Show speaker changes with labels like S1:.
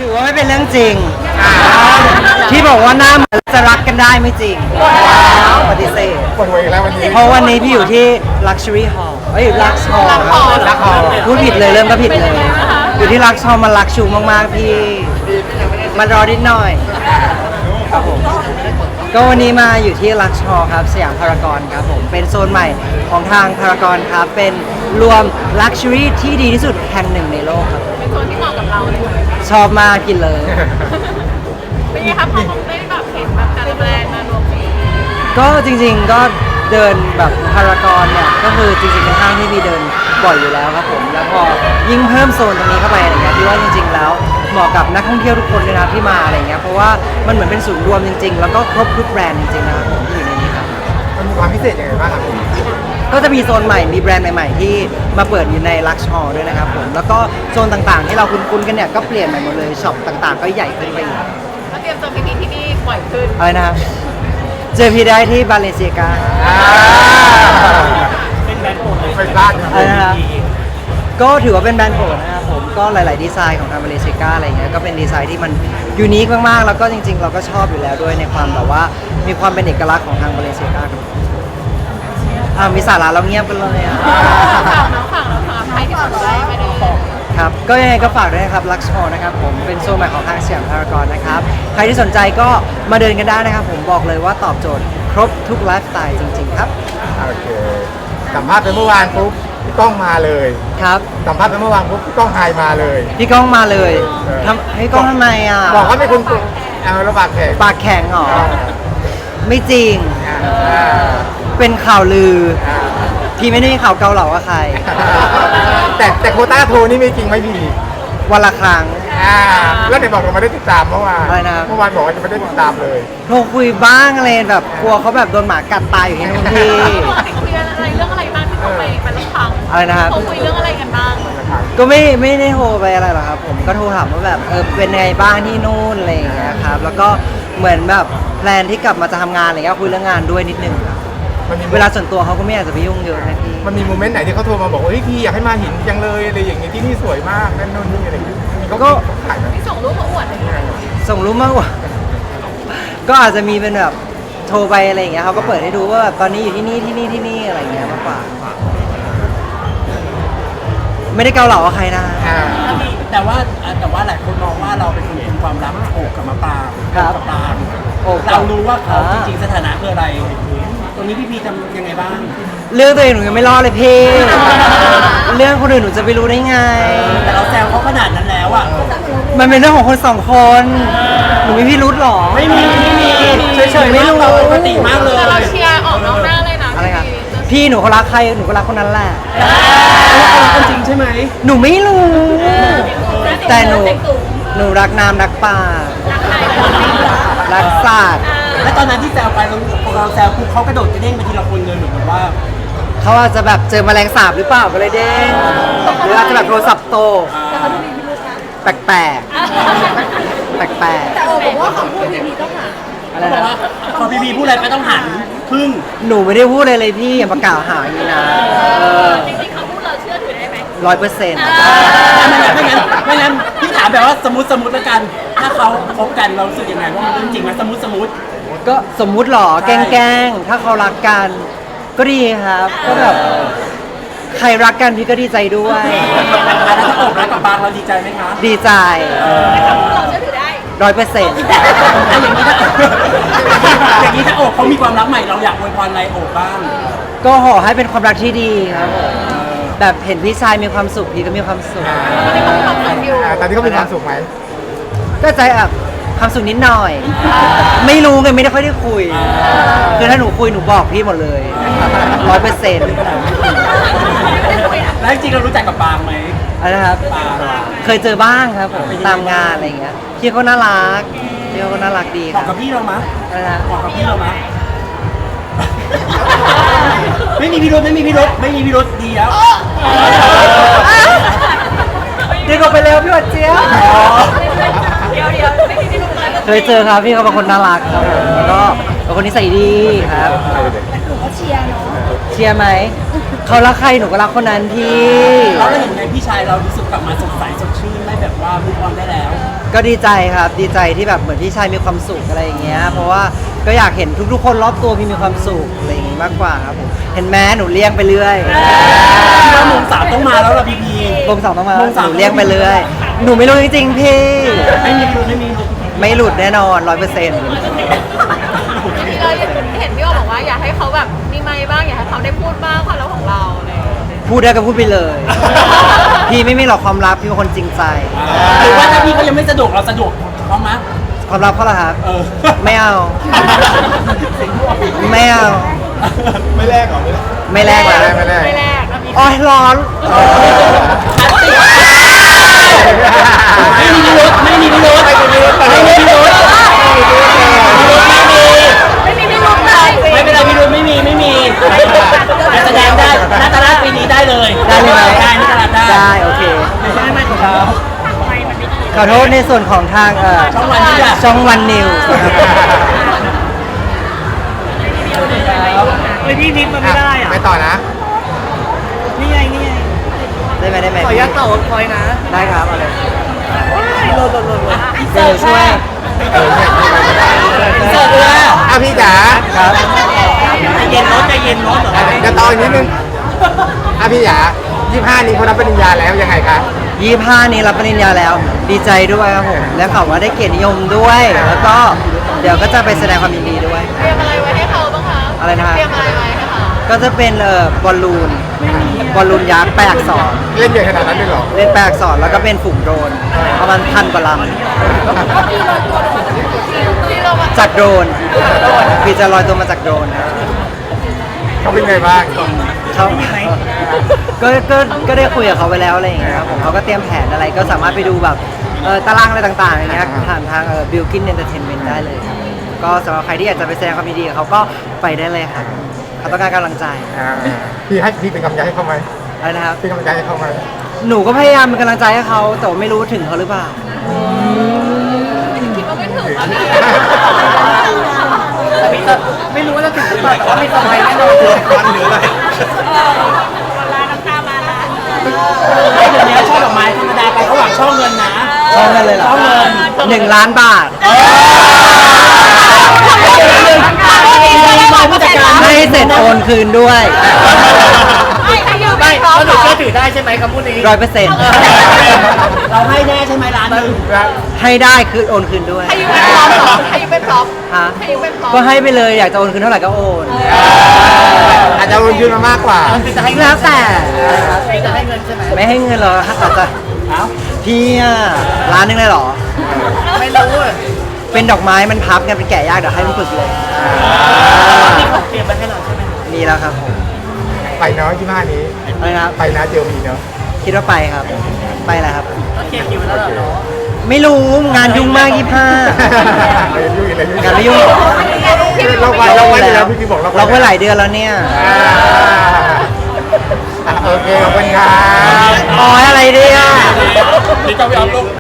S1: ถือว่าไม่เป็นเรื่องจริงที่บอกว่าหน้าเหมือนจะรักกันได้ไม่จริงปฏิเสธ
S2: ปวดหัวอีกแล้ววันนี้
S1: เพราะวันนี้พี่อยู่ที่ Luxury Hall Lux Hall
S2: ลักคอ
S1: พูดผิดเลยเริ่มก็ผิดเลย อยู่ที่ Lux Hall มันลักชูมากๆพี่มารอนิดหน่อยครับผมก็วันนี้มาอยู่ที่ Lux Hall ครับสยามพารากอนครับผมเป็นโซนใหม่ของทางพารากอนครับเป็นรวม Luxury ที่ดีที่สุดแห่งหนึ่งในโลกครับ
S3: เป็นโซนที่เหมาะกับเราเลย
S1: ชอบมากกินเลย
S3: เป็นไงครับพอคงได้แบบเห็นแบบแต่ละแบรนด์มารวมกัน
S1: ก็จริงๆก็เดินแบบพารากอนเนี่ยก็คือจริงๆเป็นห้างที่มีเดินบ่อยอยู่แล้วครับผมแล้วพอยิ่งเพิ่มโซนตรงนี้เข้าไปอะไรเงี้ยพี่ว่าจริงๆแล้วเหมาะกับนักท่องเที่ยวทุกคนเลยนะที่มาอะไรเงี้ยเพราะว่ามันเหมือนเป็นศูนย์รวมจริงๆแล้วก็ครบทุกแบรนด์จริงๆนะครับผมที่อยู่ในนี้ครับ
S2: มันมีความพิเศษยังไงบ้างครับพี่
S1: ก็จะมีโซนใหม่มีแบรนด์ใหม่ๆที่มาเปิดอยู่ใน Lux Hall ด้วยนะครับผมแล้วก็โซนต่างๆที่เราคุ้นๆกันเนี่ยก็เปลี่ยนใหม่หมดเลยช็อปต่างๆ ก็ใหญ่ขึ้นไปอีก
S3: ก็เตรียมเจอพี่ที่นี่บ่อยขึ้น
S1: อะไรนะครับเจอพี่ได้ที่บาเลเซียกา
S2: เป็นแบรนด์โปรดเลยไม่พลาด
S1: อะไรนะครับก็ถือว่าเป็นแบรนด์โปรดนะครับผมก็หลายๆดีไซน์ของทางมาเลเซียอะไรเงี้ยก็เป็นดีไซน์ที่มันยูนิคมากๆแล้วก็จริงๆ เราก็ชอบอยู่แล้วด้วยในความแบบว่ามีความเป็นเอกลักษณ์ของทางมาเลเซียครับมีสาระเราเงียบกันเลยอ่ะ
S3: ฝั่งใครที่สนใจไปดู
S1: ครับก็ยังไงก็ฝากด้วยนะครับ Lux Hall นะครับผมเป็นโซนใหม่ของทางสยามพารากอนนะครับใครที่สนใจก็มาเดินกันได้นะครับผมบอกเลยว่าตอบโจทย์ครบทุกไลฟ์สไตล์จริงๆครับ
S2: โอเคสัมภาษณ์ไปเมื่อวานปุ๊บพี่ก้องมาเลย
S1: ครับ
S2: สัมภาษณ์ไปเมื่อวานปุ๊บพี่ก้องไฮมาเลย
S1: พี่ก้องมาเลยทำให้ก้องทำไมอ่ะ
S2: บอกว่าเป็นคนเอาระบาดแขก
S1: ปากแข็งเหรอไม่จริงเป็นข่าวลือพี่ไม่ได้มีข่าวเกาเหลากับใคร
S2: แต่โควต้าโทรนี่ไม่จริงไหมพี่
S1: วันละครั้ง
S2: แล้วไหนบอกเราไม่ได้ติดตามเมื่อวาน
S1: อะไรนะ
S2: เมื่อวานบอกว่าจะไม่ได้ติดตามเลย
S1: โทรคุยบ้างอะไรแบบกลัวเขาแบบโดนหมากัดตายอยู่ที่นู่นพี่
S3: คุยอะไรเรื่องอะไรบ้างที่เขาไปรับฟัง
S1: อะไรนะครับ
S3: เขาคุยเรื่องอะไรกันบ้าง
S1: ก็ไม่ได้โทรไปอะไรหรอกครับผมก็โทรถามว่าแบบเป็นไงบ้างที่นู่นอะไรอย่างเงี้ยครับแล้วก็เหมือนแบบแพลนที่กลับมาจะทำงานอะไรเงี้ยคุยเรื่องงานด้วยนิดนึงครับ
S2: มันมี
S1: เวลาส่วนตัวเขาก็ไม่อยากจะไปยุ่งเยอะนะพี่
S2: มันมีโมเมนต์ไหนที่เขาโทรมาบอกว่าเฮ้ยพี่อยากให้มาหินจังเลยอะไรอย่างเงี้ยที่นี่สวยมากนั่นนู่นนี่อะไรอย่างเงี้ยเขาก็ถ่ายมา
S3: ที่ส่งรูปเขาอวดอะไรอย่างเงี้ย
S1: ส่งรูปมากกว่า ก็อาจจะมีเป็นแบบโทรไปอะไรอย่างเงี้ยเขาก็เปิดให้ดูว่าแบบตอนนี้อยู่ที่นี่ที่นี่ที่นี่อะไรอย่างเงี้ยมากกว่า ไม่ได้เกาเหลากับใครนะ
S4: แต่ว่าหลายคนมองว่าเราเป็นคนคุมความลับโอบกับมะปราง
S1: ครับ
S4: กับปราง
S1: โอบกับ
S4: เรารู้ว่าเขาจริง
S1: อ่า
S4: ๆสถานะคืออะไร ตรงนี้พี่พีทำยังไงบ้าง
S1: เรื่องตัวเองหนูยังไม่รอดเลยพี่ เรื่องคนอื่นหนูจะไปรู้ได้ไง
S4: แต่เราแซวเขาขนาดนั้นแล้วอ่ะ
S1: มันเป็นเรื่องของคนสองคน หนูมีพี่รุธหรอ
S4: ไม่มีเฉยๆ
S1: ไม่รู้
S4: เราปกติมากเลย
S3: แต่เราเชียร์ออกนอกหน้าเลยนะ
S1: อะไรครับพี่หนูเขารักใครหนูก็รักคนนั้นแหละ
S4: คนจริงใช่ไหม
S1: หนูไม่รู้ แต่หนูรักน้ำรักป่า รักสัตว์
S4: แล้วตอนนั้นที่แซวไปเราแซวปุ๊บเขากระโดดกระเด้งไปทีละคนเลยหรือว่า
S1: เขาอาจจะแบบเจอแมลงสาบหรือเปล่าก็เลยเด้งหรืออาจจะแบบโทรศัพท์โตกแปลกๆแปลก
S3: แต่โอบอกว่าคำพูดพีต้องหา
S1: ๆอะไร
S4: บอก
S1: นะ
S4: ว่าพอพี่พีพูดอะไรไปต้องหันพึ่ง
S1: หนูไม่ได้พูดเลยเลยพี่อย่าประกล่าวหาอย่างนี้นะ
S3: จริงๆคำพูดเราเชื่อถือได้ไหม
S1: 100%
S4: ไม่งั้นพี่ถามแบบว่าสมมติแล้วกัน ถ้าเขาคบกันเรารู้สึกยังไงว่ามันเรื่องจริงไหมสมมติ
S1: ก็สมมุติหรอแกล้งๆถ้าเขารักกันก็ดีครับ ก็แบบใครรักกันพี่ก็ดีใจด้วย
S4: แล้วถ้าโอบรักกับบางเราดีใจไหมคะ
S1: ดีใจ
S3: คำพูดเราเชื่อถือได้
S1: 100%
S4: อย่างนี้ถ้าโอบเขามีความรักใหม่เราอยากอวยพรอะไรโอบบ้าง
S1: ก็ขอให้เป็นความรักที่ดีครับผมแบบเห็นพี่ชายมีความสุขพี่ก็มีความสุข
S2: ตอนนี้เขามีความสุขไหม
S1: ก็ใจแบบความสุขนิดหน่อย ไม่รู้ไงไม่ได้ค่อยได้คุย คือถ้าหนูคุยหนูบอกพี่หมดเลย 100%
S4: แล้วจริงๆเรารู้จักกับบางไหม
S1: อะไรนะครับ
S4: บาง
S1: เคยเจอบ้างครับผมตามงานอะไรอย่างเงี้ยพี่เขาน่ารักพี่เขาน่ารักดีค
S4: บอ
S1: รั
S4: ก
S1: บ
S4: กับพี่เรามะ
S1: อะไรนะ
S4: บอกกับพี่เรามะไม่มีพิรุธดีแล้ว
S1: เดี๋ยวก็ไปเร็วพี่หวัดเจี๊ยบ
S3: เดี๋ยวไม่คิดที่รู้เลย
S1: เคยเจอครับพี่เขาเป็นคนน่ารักครับผมแล้วก็เป็นคนนิสัยดีครับ
S3: หนูก็เชียร์เนาะ
S1: เชียร์ไหมเขารักใครหนูก็รักคนนั้นพี่
S4: เราเห็นไงพี่ชายเรารู้สึกกลับมาสดใสสดชื่นได้แบบว่ามุกออนได้แล้ว
S1: ก็ดีใจครับดีใจที่แบบเหมือนพี่ชายมีความสุขอะไรอย่างเงี้ยเพราะว่าก็อยากเห็นทุกๆคนรอบตัวพี่มีความสุขอะไรอย่างงี้มากกว่าครับผมเห็นแม้หนูเลี้ยงไปเรื่อย
S4: พี่ว่าโมงสามต้องมาแล้วล่ะพีพี
S1: วงสองต้องมา
S4: วงสาม
S1: หนูเลี้ยงไปเรื่อยหนูไม่รู้จริงๆพี่
S4: ไม่มีไม่มี
S1: ไม่หลุดแน่นอน100%
S3: เราเห็นพี่โอบอกว่าอยากให้เขาแบบมีไมค์บ้างอยากให้เขาได้พูดบ้างความลับของเราอะไรอย่างเงี้ย
S1: พูดได้ก็พูดไปเลย พี่ไม่มีหรอกความลับพี่เป็นคนจริงใจ
S4: หรือว่าถ้าพี่เขายังไม่สะดวกเราสะดวกพร้อมไหม
S1: ความลับเขาเหรอครับ
S4: เออ
S1: ไม่เอา ไม่เอา
S2: ไม่แลกเหรอ
S1: ไม่แลกนะ
S2: ไม่แลก
S3: ไม่แรกแล้วมี
S1: โอ้ยร้อน
S4: ไม่มีพิรุธไม่มีพิรุธไม่มีพิรุธไม่มีพิรุธ
S3: ไม่มีพี่ลุกเลย
S4: ไม่เป็นไรพิรุธไม่มีแต่แสดงได้นาตาลาปีนี้ได้เลย
S1: ได้เลยไหม
S4: ได้นาตาลาได้
S1: ได้โอเค
S4: ไม่ของเขา
S1: ขอโทษในส่วนของทาง
S4: ช่องวันนี้แหละ
S1: ช่องวันนิว
S4: ไม่พี่นิดมันไม่ได้อ่ะ
S2: ไปต่อนะ
S4: นี่ไงนี่ไง
S1: ได้ไหมได้ไหม
S4: ขอยัดต่อคอยนะ
S1: ได้ครับเอาเลย
S4: โหลด
S1: เดี๋ยวช่วย
S4: เสิร์ฟเลย
S2: อ่ะพี่จ๋า
S1: ครับ
S4: ใจเย็นรถใจเย็นรถเหรอ
S2: จะต่ออีกนิดนึงอ่ะพี่จ๋า25นี้เขารับปริญญาแล้วยังไงคะ
S1: 25นี้รับปริญญาแล้ว ดีใจด้วยครับผมแล้วข่าวว่าได้เกียรตินิยมด้วย แล้วก็เดี๋ยวก็จะไปแสดงความยินดีด้วย
S3: เตรียมอะไรไว้ให้เขาบ้างคะ
S1: อะไรนะครับ
S3: เตรียมอะไรไว้ให้เขา
S1: ก็จะเป็นบอลลูนยักษ์แปลอักษร
S2: เล่นใหญ่ขนาดนั้นเลยเหรอ
S1: เล่นแปลอักษรแล้วก็เป็นฝูงโดรนประมาณ1,000 กว่าล
S3: ที่เรามา
S1: ำจากโดรนพี่จะลอยตัวมาจากโดรนนะ
S2: เขาเป็นไงบ้าง
S1: เขาก็ได้คุยกับเขาไปแล้วอะไรอย่างเงี้ยครับผมเขาก็เตรียมแผนอะไรก็สามารถไปดูแบบตารางอะไรต่างๆอย่างเงี้ยผ่านทางBilkin Entertainment ได้เลยครับก็สำหรับใครที่อยากจะไปแสดงความยินดีกับเขาก็ไปได้เลยครับเขาต้องการกำลังใจ
S2: พี่เป็นกำลังใจให้เขาไหม
S1: อะไรนะครับ
S2: เป็นกำลังใจให้เขาไหม
S1: หนูก็พยายามเป็นกำลังใจให้เขาแต่ว่าไม่รู้ถึงเขาหรือเปล่า
S3: คิดว่าไม่ถึงอะพี่
S4: ไม่รู้ว่าจะถึงหรือเปล่าแต่ว่ามีสมัยแน่นอน
S2: วันหรืออะไร
S3: วันลาน้ำตามาละ
S4: ไม่เดี๋ยวนี้ช่อดอกไม้ธรรมดาไปเขาหวังช่อเงินนะ
S1: ช่องเงินเลยเหรอ
S4: ช่องเงิน
S1: 1 ล้านบาท
S4: ผู้จัดการ
S1: ไม่เสร็จโอนคืนด้วย
S3: ไม่ให้ยืมไม่พร้อมเหรอ
S4: ได้ใช่ไหมคำพูดนี้
S1: 100%
S4: เราให้แน่ใช่ไหมร้านนึง
S1: ให้ได้คือโอนคืนด้วย
S3: ให้ยืมเป็นพร้อมเหรอให้ยืมเป็นพร้อม
S1: ฮะ
S3: ให้ยืมเป็นพร้อม
S1: ก็ให้ไปเลยอยากจะโอนคืนเท่าไหร่ก็โอน
S2: อาจจะโอนคืนมามากกว่า
S1: แล้วแต่
S4: จะให้เงินใช่ไหม
S1: ไม่ให้เงินหรอกอาจจะ
S4: เอ้า
S1: พี่อะร้านนึงเลยเหรอ
S4: ไม่รู้
S1: เป็นดอกไม้มันพับกันเป็นแกะยากเดี๋ยวให้มันฝึกเลย
S4: มีของเตรียมมาให้เราใช่ไหม
S1: มีแล้วครับผม
S2: ไปเนาะ25นี้
S1: อะไรนะครับ
S2: ไปนะเจลมีเนาะ
S1: คิดว่าไปครับ ไปแล้วครับ
S4: ก็เคลียร์คิวแล้วเหรอ
S1: ไม่รู้งานยุ่งมาก25
S2: ยุ่งอีกแล้วยุ่ง
S1: งานไม่ยุ่ง
S2: เราไว้แล้วพี่บอก
S1: ล็อกไว้หลายเดือนแล้วเนี่ย
S2: โอเคขอบคุณครับ
S1: อ๋ออะไรเนี่ย
S4: นี่ต้องไปเอาลูก